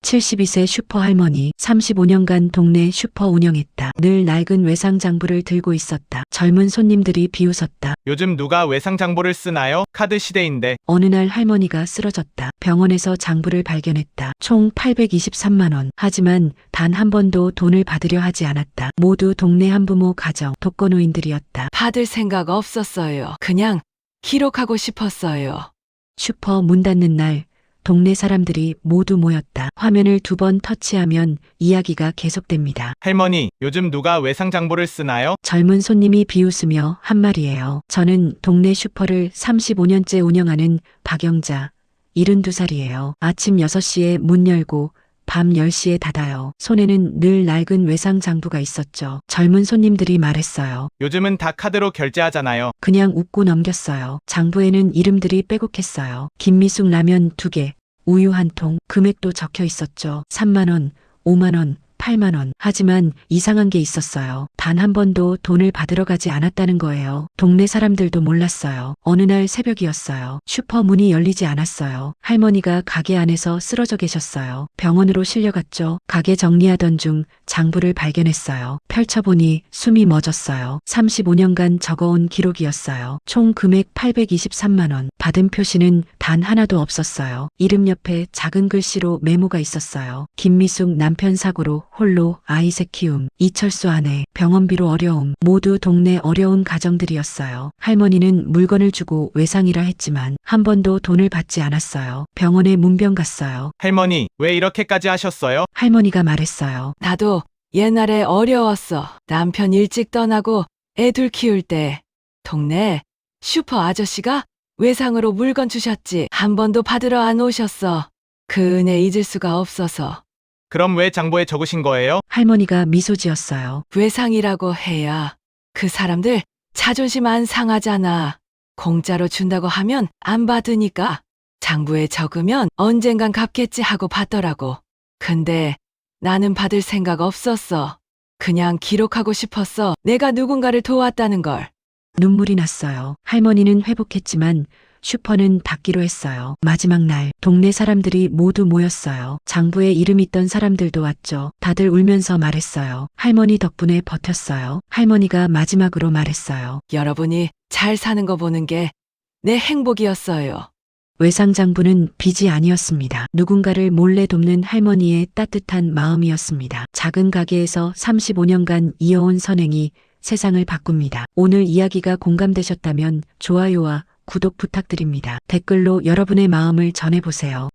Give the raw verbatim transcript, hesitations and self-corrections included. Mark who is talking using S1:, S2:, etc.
S1: 칠십이 세 슈퍼 할머니, 삼십오 년간 동네 슈퍼 운영했다. 늘 낡은 외상장부를 들고 있었다. 젊은 손님들이 비웃었다.
S2: 요즘 누가 외상장부를 쓰나요? 카드 시대인데.
S1: 어느 날 할머니가 쓰러졌다. 병원에서 장부를 발견했다. 총 팔백이십삼만 원. 하지만 단 한 번도 돈을 받으려 하지 않았다. 모두 동네 한부모 가정, 독거노인들이었다.
S3: 받을 생각 없었어요. 그냥 기록하고 싶었어요.
S1: 슈퍼 문 닫는 날 동네 사람들이 모두 모였다. 화면을 두 번 터치하면 이야기가 계속됩니다.
S2: 할머니, 요즘 누가 외상장부를 쓰나요?
S1: 젊은 손님이 비웃으며 한 말이에요. 저는 동네 슈퍼를 삼십오 년째 운영하는 박영자, 일흔두 살이에요. 아침 여섯 시에 문 열고 밤 열 시에 닫아요. 손에는 늘 낡은 외상장부가 있었죠. 젊은 손님들이 말했어요.
S2: 요즘은 다 카드로 결제하잖아요.
S1: 그냥 웃고 넘겼어요. 장부에는 이름들이 빼곡했어요. 김미숙 라면 두 개, 우유 한 통, 금액도 적혀 있었죠. 삼만 원, 오만 원, 팔만 원. 하지만 이상한 게 있었어요. 단 한 번도 돈을 받으러 가지 않았다는 거예요. 동네 사람들도 몰랐어요. 어느 날 새벽이었어요. 슈퍼 문이 열리지 않았어요. 할머니가 가게 안에서 쓰러져 계셨어요. 병원으로 실려갔죠. 가게 정리하던 중 장부를 발견했어요. 펼쳐보니 숨이 멎었어요. 삼십오 년간 적어온 기록이었어요. 총 금액 팔백이십삼만 원. 받은 표시는 단 하나도 없었어요. 이름 옆에 작은 글씨로 메모가 있었어요. 김미숙 남편 사고로 홀로 아이 셋 키움. 이철수 아내 병원비로 어려움. 모두 동네 어려운 가정들이었어요. 할머니는 물건을 주고 외상이라 했지만 한 번도 돈을 받지 않았어요. 병원에 문병 갔어요.
S2: 할머니, 왜 이렇게까지 하셨어요?
S1: 할머니가 말했어요.
S3: 나도 옛날에 어려웠어. 남편 일찍 떠나고 애둘 키울 때 동네 슈퍼 아저씨가 외상으로 물건 주셨지. 한 번도 받으러 안 오셨어. 그 은혜 잊을 수가 없어서.
S2: 그럼 왜 장부에 적으신 거예요?
S1: 할머니가 미소 지었어요.
S3: 외상이라고 해야 그 사람들 자존심 안 상하잖아. 공짜로 준다고 하면 안 받으니까 장부에 적으면 언젠간 갚겠지 하고 받더라고. 근데 나는 받을 생각 없었어. 그냥 기록하고 싶었어. 내가 누군가를 도왔다는 걸.
S1: 눈물이 났어요. 할머니는 회복했지만 슈퍼는 닫기로 했어요. 마지막 날 동네 사람들이 모두 모였어요. 장부에 이름 있던 사람들도 왔죠. 다들 울면서 말했어요. 할머니 덕분에 버텼어요. 할머니가 마지막으로 말했어요.
S3: 여러분이 잘 사는 거 보는 게 내 행복이었어요.
S1: 외상장부는 빚이 아니었습니다. 누군가를 몰래 돕는 할머니의 따뜻한 마음이었습니다. 작은 가게에서 삼십오 년간 이어온 선행이 세상을 바꿉니다. 오늘 이야기가 공감되셨다면 좋아요와 구독 부탁드립니다. 댓글로 여러분의 마음을 전해보세요.